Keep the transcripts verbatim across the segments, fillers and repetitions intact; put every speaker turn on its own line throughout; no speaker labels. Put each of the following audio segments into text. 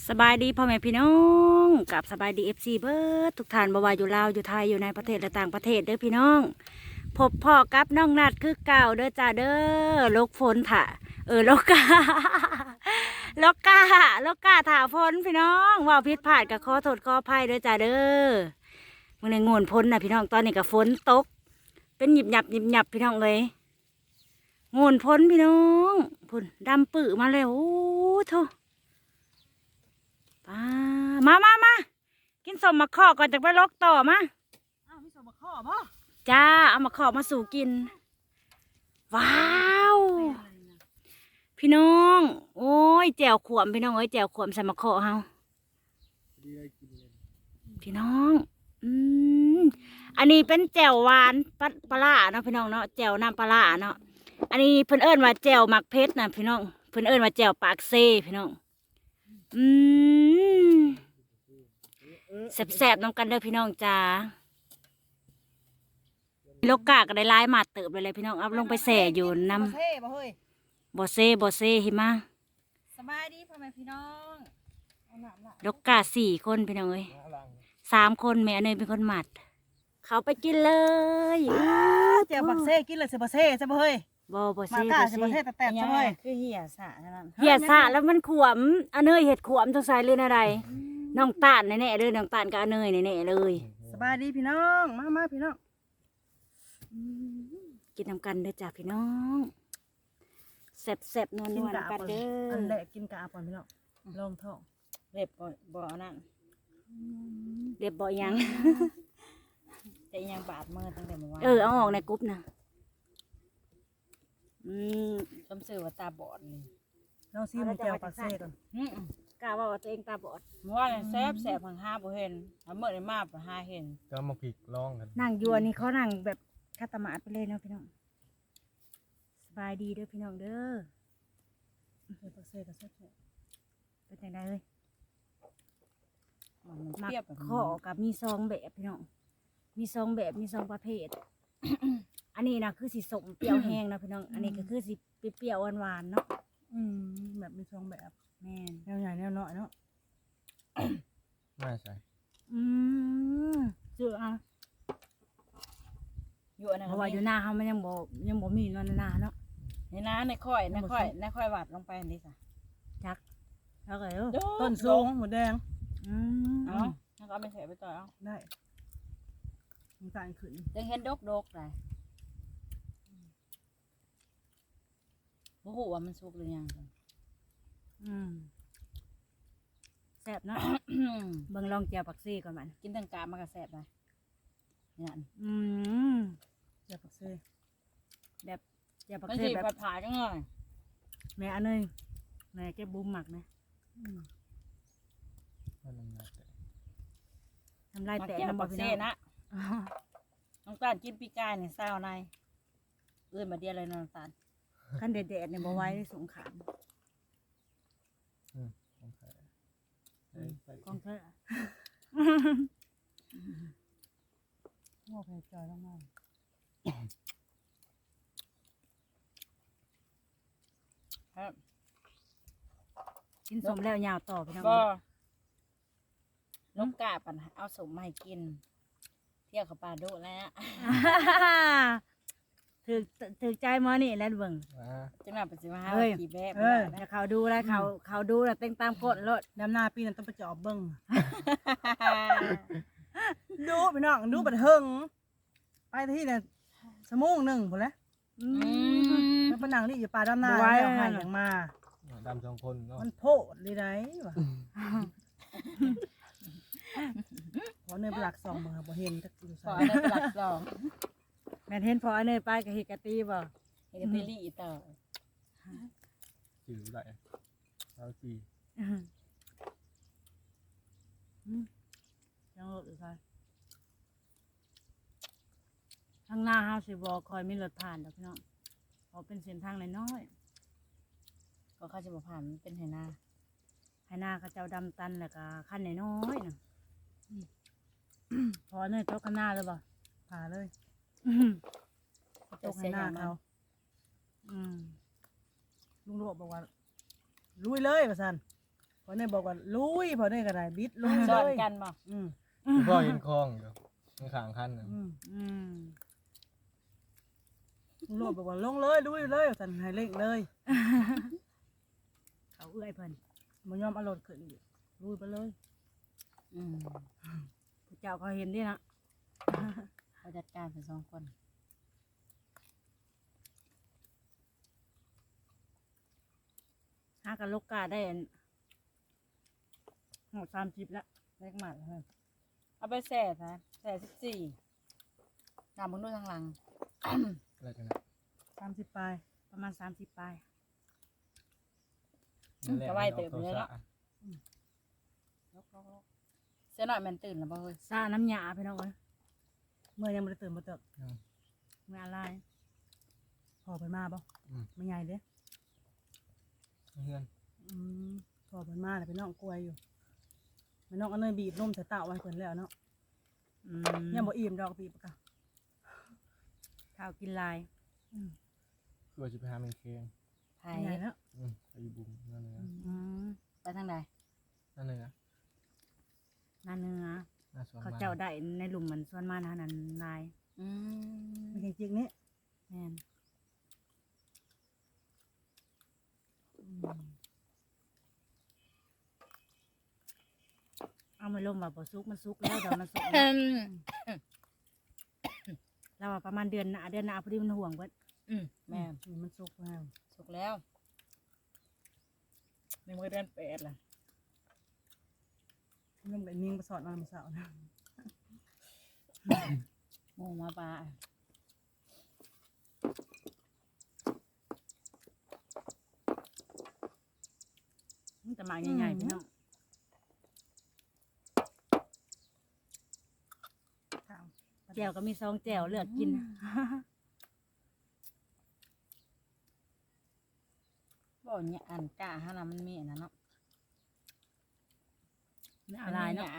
สบายดีพ่อแม่พี่น้องกับสบายดีเอฟซีเบิร์ดทุกท่านบ่ว่าอยู่ลาวอยู่ไทยอยู่ในประเทศและต่างประเทศเด้อพี่น้องพบพ่อกับน้องนัดคือเก่าเด้อจ้าเด้อลกฝนถ่าเออลกกาลกกาลกกาถ่าฝนพี่น้องว่าพิษผ่านกับขอโทษขออภัยเด้อจ้าเด้อมึงในงวนพ้นนะพี่น้องตอนนี้กับฝนตกเป็นหยิบหยับหยิบหยับพี่น้องเลยงวนพ้นพี่น้องพุ่นดำปื้อมาแล้วโอ้โธ่มามามากินสมมาข้อก่อนจากไปลกต่อมา
อ้าวมีสมมาข้อป่ะ
จ้าเอามาข้อมาสู่กินว้าวพี่น้องโอ้ยแจ่วขวมพี่น้องเอ้ยแจ่วขวมใส่มาข้อเฮาพี่น้องอืมอันนี้เป็นแจ่วหวานปลาปลาเนาะพี่น้องเนาะแจ่วน้ำปลาเนาะอันนี้เพิ่นเอิ้นว่าแจ่วหมักเพชรนะพี่น้องเพิ่นเอิ้นว่าแจ่วปากเซ่พี่น้องอืมแซ่บๆน้องกันเด้อพี่น้องจ้าโลกาก็ได้ลายมาเติบเลยเลยพี่น้องเอาลงไปแส่อยู่น้ำ
บ่เซ่บ่เฮ้ย
บ่เซ่บ่เซ่หิมะ
สบายดีพ่อแม่พี่น้องเอาหนามละ
โลกาสี่คนพี่น้องเอ้ยสามคนแม่เนยเป็นคนหมัด เขาไปกินเลย
เจ้าบักเซ่กินเลยสิบ่เซ่ใช่บ่เฮ้ย
บ่บ่
มา
เซ่
ก้า
บ่
สิบ่
เซ่
เซ่แต่แต่ใช่บ่เฮ้ย
คือเหี่ยสะนั่น
เหี้ยสะแล้วมันขวมอันเนยเห็ดขวมจังใส่เลยนะใดน้องตาลแน่ๆเลยน้องตาลกับอันเนยแน่ๆเลย
สบายดีพี่น้องมามาพี่น้อง
กินน้ำกันเด้อจ้าพี่น้องแซ่บๆนัว
กิน
ๆ
กะ
กัน
ปอน
เด้
อันแร
อก
กินกะปอนพี่น้องลองท้อง
เล็บบ่บ่เอานั่น
เด็บบ่ยัง
แต่ยังบาดมือตั้งแต่เมื่อวาน
เออเอาออกในกรุ๊ปนะอืม
ต้มสื่อว่าตาบอดนี่
ลองซิมแก้วปักเซ่ก่อน
อื้อก
ล้าว่าว่าตัวเองตาบอด
เมื่อวานแซ่บแซ่บพังห้าบ่เห็นเอาเมื่อได้มาบ่หาเห็น
ก็มาผิกร้องกัน
นั่งอยู่อันนี้เขานั่งแบบคาตามาดไปเลยเนาะพี่น้องสบายดีเด้อพี่น้องเด้อ
แก้วปักเซ่ก็แซ่บ
เป็นจังไดเลย
มัน
มัก
เปรี้ยวแบบ
ข้อกับมีซองแบบพี่น้องมีซองแบบมีซองประเภท อันนี้นะคือสีสมเปรี้ยวแห้งนะพี่น้อง อันนี้ก็คือสีเปรี้ยวหวานๆเนาะ
ๆอืมแบบมีทรงแบบ
แม่น
แนวใหญ่แนวน้อยเนาะ
น่าใช่
อืมเจอเอา
อยู่อันนั้น
เพราะว่าอยู่หน้าเขามันยังบ่ยังบ่มีเนอนหน้าเนาะ
นี่นะในค่อยในค่อยในค่อยวัดลงไปนี่จ้ะ
จักแล้วก็เออ
ต้นสูงหมูแดง
อืม
เอ้าแล้วก็เอาไปใส่ไปต่อเอา
ได้มันต่างขึ้น
จังเห็นดกๆได้บ่ฮู้ว่ามันสุกหรือยังจ้ะ
อืมแซ่บเนาะ เบิ่งลองเจียวปักซี่ก่อนมัน
กินทั้งกาบมันก็แซ่บได้นี่นั่น
อืม
แก้วปักเซ่
แบบเจียวปัก
มัน
ซี่
สิ
แบบ
ผัดผาจังเลย
แม่อันเนยแม่แกบุ้มหมักนะ
ว่าน้ำหนักแต่
ทำลาย
มา
แตก
เกี่ยว
น้ำ
บั
บ่
ก
พี่
เซ่
น้อง
นะ
อ๋อ
น้องตาลกินปีกายเนี่ยเศร้าในเอื้อนมาเดียวเลยน้องตาล
ขั้นเด็ดๆเนี่ยบ่ไหว้ได้สงขาม
ต้องใส่ใส่ใส่
กองเถอะ
งอกให้จอยมาก
ครับ
กินสมแล้วยาวต่อพี่น้อง
ก็นกกาปันเอาสมมาให้กิน เที่ยวกับปลาโดแล้ว
ถือถือใจหมอนี่แล้วเบิ่ง
อ่า
จังหวะปัจจุบัน
เฮ้ย
ขี่แบบ
เออ
แล้วเขาดูแล้วเขาเขาดูแล้วเต็งตามกฎรถ
ดำนาปีนั้นต้องไปจอบเบิ้งดูพี่น้องดูบัดเฮิงไปที่เนี่ยสมงหนึ่งหมดแล้ว
อื
อื
ม
ม
แล้วปนังนี่อยู่ป่าดำนา
บ่ไหว
แล้วหายอย่างมา
ดำสองคนเนาะ
มันโพดเลยไรวะขอเนยไปหลักสองมาบ่เห็นจักอยู่
ขอ
ใส่
ได้เป็นหลักสอง
แม่นเห็นพออันเนยไปกับเฮกะตีบ่
เอกเตอรี่ต่อ
จืดได้เราจี
อืมอืมยังรถอยู่ใช่ทางหน้าเฮาสิบ่คอยมีรถผ่านดอกพี่น้องเพราะเป็นเส้นทางน้อย
ก็เข้าจะมาผ่านมันเป็นไหนา
ๆให้หน้าเขาเจ้าดำตันแล้วก็ขั้นน้อยๆน่ะอืมพอเนยตกข้างหน้าเลยบ่
ผ่าเลย
อืม
ตกให้หน้าเขา
อืม
ลุงโรบบอกว่าลุยเลยประสันพอเนี่ยบอกว่าลุยพอเนี่ยก็ได้บิดลุย
ส
เล
อน
ย
กันบ่
อืม
คุณพ่อเห็นคลองอยู่มันขางคันน่ะ
อืม
อืม
ลุงโลดบอกว่าลงเลยลุยเลยสันให้เร่งเลย
เขาเอื้อยเพิ่น
มันยอมเอารถขึ้นอีกลุยไปเลย
อืม
ผู้เจ้าเขาเห็นดินะ
เขาจัดการเป็นสองคน
หากันลกกาได้อันหกสามสิบแล้วเล็กมากเลย
เอาไปแส่ซะแส่สิบสี่ตามมึงดูทางหลัง
อะไรกันนะ
สามสิบปลาย
ประมาณสามสิบปลาย
ก็ไหวเติบเลยเนาะ เสียหน่อยมันตื่นแล้วบ่เฮ้ย
ซาน้ำยาพี่น้องเอ้ย
เมื่อยังไม่ได้ตื่นมาเติบ
เมื่ออะไร
พอไปมาบ่
อืม
ไม่ใหญ่เด้
เพื่อน
อืมพอไปมาแต่ไปน้องกล้วยอยู่ไปน้องเอาเนยบีบนมใส่เต้าไว้เพิ่นแล้วเนาะ
อืม
ยังบ่อิ่มดอกบีบปะกะ
ข้าวกินลาย
อืม
คือว่าจะไปหาเมนเค้ง
ไผ
ไม่ใหญ่แล้ว
อืมไปอยู่บุมนั่นเลยนะ
อืม
ไปทางใด
นั่นเลยนะ
นาเนื้อ
หน้าสวน
เขา
บ้น
เจ้าได้ในหลุมเหมือนส่วนมานะนั้นลาย
อืม
ไม่ใช่จริงๆนี่
แม่น
อืม
เอามาลงแบบบ่ซุกมันซุกแล้วแต่มันสุก
อื
แล้ว
ม
เราว่าประมาณเดือนหน้าเดือนหน้าพอดีมันห่วงเบิด
อืมแม่
นี่มันสุกแล้ว
สุกแล้วในมือเดือนแปดล่ะ
น้ำกับนิ่งไปสอดมาเมื่อเช้านะ
โมมาปลา
มันจะมาใหญ่ๆพี่น้อง
ข้าว
แจ่วก็มีซองแจ่วเลือกกิน
บ่เนี่ยอันกะฮะนะมันมีอันนั้นเนาะ
เนื้อลายเนาะ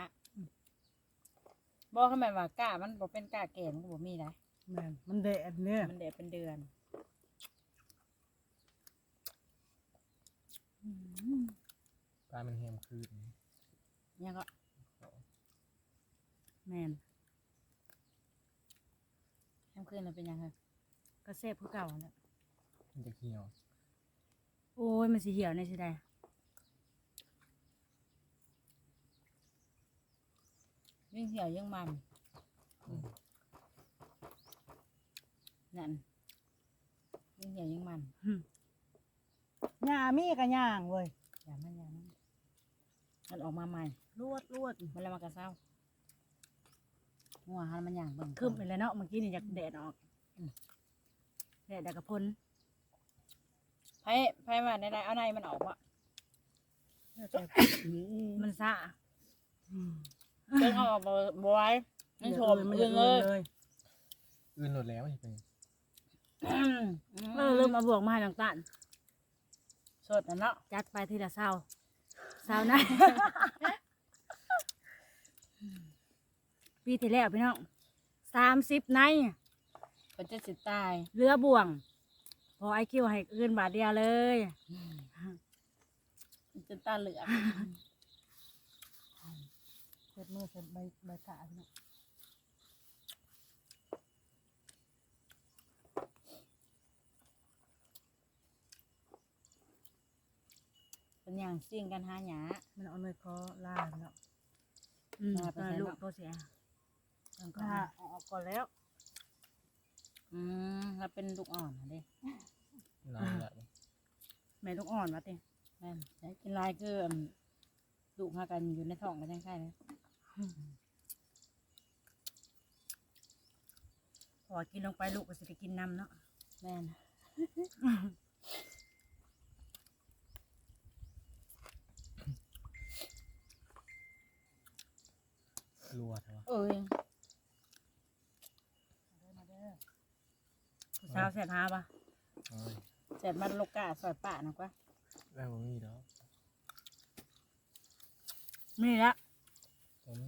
บ่เขาหมายว่ากะมันบ่เป็นกะแก่มันก็บ่มีได้
แม่นมันแดดเนี่ย
มันเดดเป็นเดือน
ปลามันแฮมคืน
ยังก็
แม่น
แฮมคืนมันเป็นยังไง
ก็แซ่บคือเก่าแหละ
มันจะเหี่ยว
โอ้ยมันสิเหี่ยวในสิได้
ยิ่งเหี่ยวยิ่งมัน
อืม
นั่นยิ่งเหี่ยวยิ่งมัน
หญ้ามีกับย่างเว้ย
อย่ามันอย่ามันมันออกมาใหม่
ลวดลวด
มันเลยมากระเซ้าหัวหันมันอย่างเบิ่ง
คืบไปแล้วเนาะเมื่อกี้นี่อยากแดดออกแดดดักกระพน
ไพ่ไพ่มาในใดเอาในมันออกวะ
แต่
มันซะ
อืม
เบิ่งเอาออกบ่บ่ไว้มันชม
มัน
เอื้องเลย
เลย
อื่นหมดแล้วมันจะเป็น
อืม
เออเริ่มมาบวกมาให้ต่าง
สดนะเนาะ
ๆจัดไปทีละเศร้าเศร้านะ ปีที่แล้วพี่น้องสามสิบใน
เป็นจะสิตาย
เรือบ่วง พอไอคิวให้เกินบาทเดียวเลย
มันจะตาเหลือก
เสร็จมือเสร็จใบใบกาดเนาะ
เป็นอย่างซิ่งกันหาหยา
มันเอาเนยคอล่าเนาะ
อืม
ลาไป
ตอน
ใส่
ลูก
เนาะ
ตัวเสียแล้วก็
ล่าออกก่อนแล้ว
อืมแล้วเป็นลูกอ่อนนะเด้
นานแล้ว
แม่ลูกอ่อนมาติ
แม่นแต่กินลายคืออืมลูกหากันอยู่ในท้องกันยังใช่ไหม
พอกินลงไปลูกก็สิได้กินน้ำเนาะ
แม่น
รัวเถอะ
เอ้ย
ผู้สาวแสบหาปะ
เอ้ย
เสร็จมันลูกกาสอยป่านะกว่า
แล้วมันมีแล้ว
นี่ละ
ตอนนี้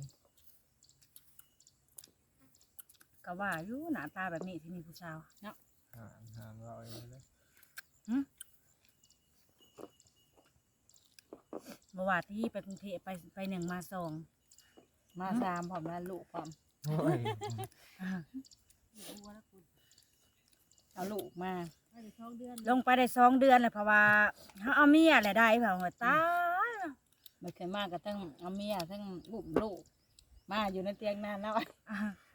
ก็ว่าอยู่หน้าตาแบบนี้ที่มีผู้สาว
หามหามเราเองเลย
บบ่ว่าที่ไปกรุงเทพไปไปหนึ่งมาสอง
มาสามพร้อมแล้วลูกพร้อม
โอ้ย
เอาลูกมา
ลงไปได้สองเดือนเลยเพราะว่าเขาเอาเมียแหละได้เปล่าหัวตาย
ไม่เคยมาก็ทั้งเอาเมียทั้งลูกลูกมาอยู่ในเตียงนานแล้ว
อ่า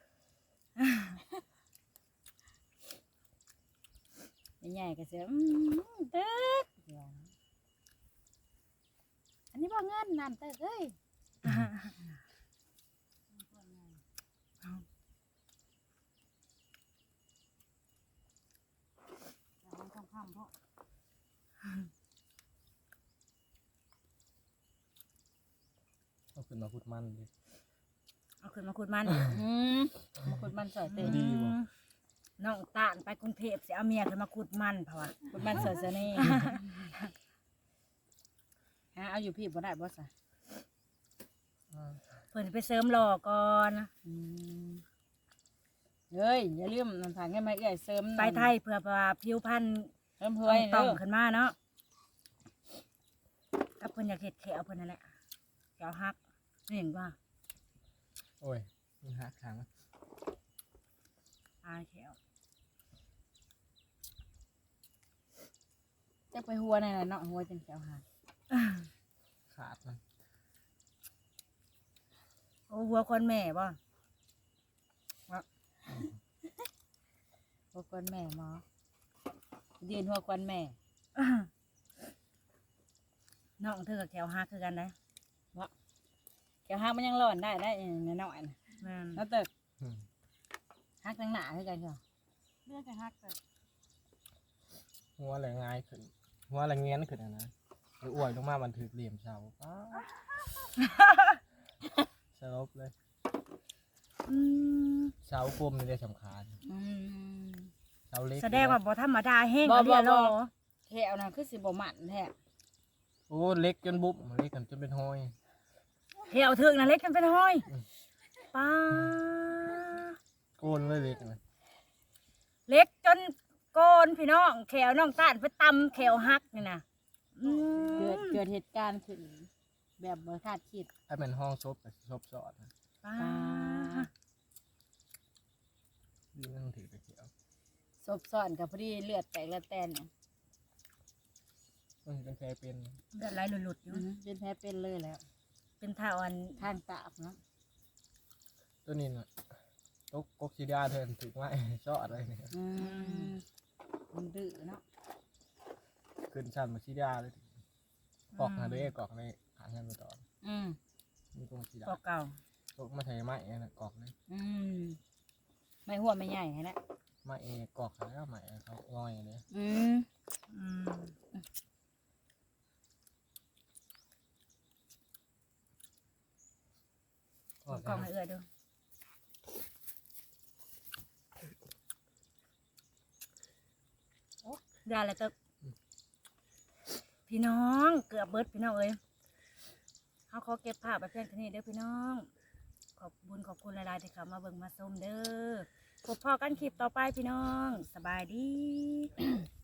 ใหญ่ๆก็เสียอืมเต๊กอันนี้บ่เงินนั่นเต๊กเอ้ยเอาทองคำเพราะ
เอาขึ้นมาพูดมันดิ
เอาขึ้นมาขุดมัน
อืมมาขุดมันสอยเต๊ก
ดีบ่
น้องตาลไปกรุงเทพสิเอาเมียขึ้นมาขุดมันเพราะว่า
ขุดมันสอยเสน่ห์ฮะเอาอยู่พี่บ่ได้บ่สะ
อ่า
เพิ่นสิไปเสริมหล่อก่อน
อืมเฮ้ยอย่าลืมน้ำทางให้มาเอื้อยเสริม
ไปไทยเพื่อว่าผิวพรรณ
เริ่ม
ต้
เพื่
อ
อย
งต้
เด้
อง
อ
ขึ้นมาเนาะกับเพิ่นอยากเฮ็ดแขวเพิ่นนั่นแหละแขวหักนี่เห็นว่า
โอ้ยมันหักทาง
อายแขว
จะไปหัวในน่ะเนาะหัวจังแถวหา
ขาดมัน
โอ้หัวคนแม่บ่
หัวกวนแม่หมอยืนหัวกวนแม่
น้องเธอกับแขวหักคือกันได้
แถวหามันยังร้อนได้ได้นิดหน่อยนะ
แม่น
แล้วเตึก
อืม
ฮักทั้งหนาคือกันเหรอ
เรื่องจะฮักแต่
หัวอะไรง่ายขึ้นหัวอะไรเงี้ยนขึ้นอะนะหรืออ้วยลงมามันถือเหลี่ยมเสาป๊าดสลบเลย
อืม
เสากลมนี่ได้สำคัญ
อืม
เสาเล็ก
แสดงว่าบ่ธรรมดาแห้ง
บ่
เอาเดียว
บ่
โล
บ่ แถวน่ะคือสิบ่มันแท้
โอ้เล็กจนบุบเล็กกันจนเป็นห้อย
แถวถึกน่ะเล็กกันเป็นห้อย
อืม
ป้า
โกนเลยเล็กนะ
เล็กจนโกนพี่น้องแขวน้องต้านไปตำแขวหักนี่นะอืม
เกิดเกิดเหตุการณ์ขึ้นแบบบ่คาดคิด
ถ้าเป็นห้องซบกับซบสอดนะ
ป้า
ดีไม่ต้องถือตะเกียบ
ศพซ่อนกับพอดีเลือดแตกและแตนเนี่ย
มันเป็นแค่เป็น
เลือดไหลหลุดๆอยู่
อือหือเป็นแผลเป็นเลยแล้ว
เป็นท่าอ่อน
ทางตาบเนาะ
ตัวนี้น่ะตกกกซีดาเทินถือไม้ซอดอะไรเนี่ย
อืมมันดื้อเนาะ
ขึ้นชั้นมาซีดาเลยกอกหาด้วยกอกในหางเงินมาต่อ
อืม
มีตรงซีดา
ก็เก่า
ตกมาใช้ไม้นะกอกเลย
อืมไม่หัวไม่ใหญ่แหละ
ไม้เอกอกแล้วไม้เขาง่อยเลย
อืม
อืม
กอก
กล่องให้เอื้อดูได้แล้วตึกพี่น้องเกือบเบิดพี่น้องเอ้ยเขาขอเก็บภาพไปเพียงเท่านี้เด้อพี่น้อง ขอบบุญขอบคุณหลายๆที่เข้ามาเบิ่งมาชมเด้อพบพอกันคลิปต่อไปพี่น้อง สบายดี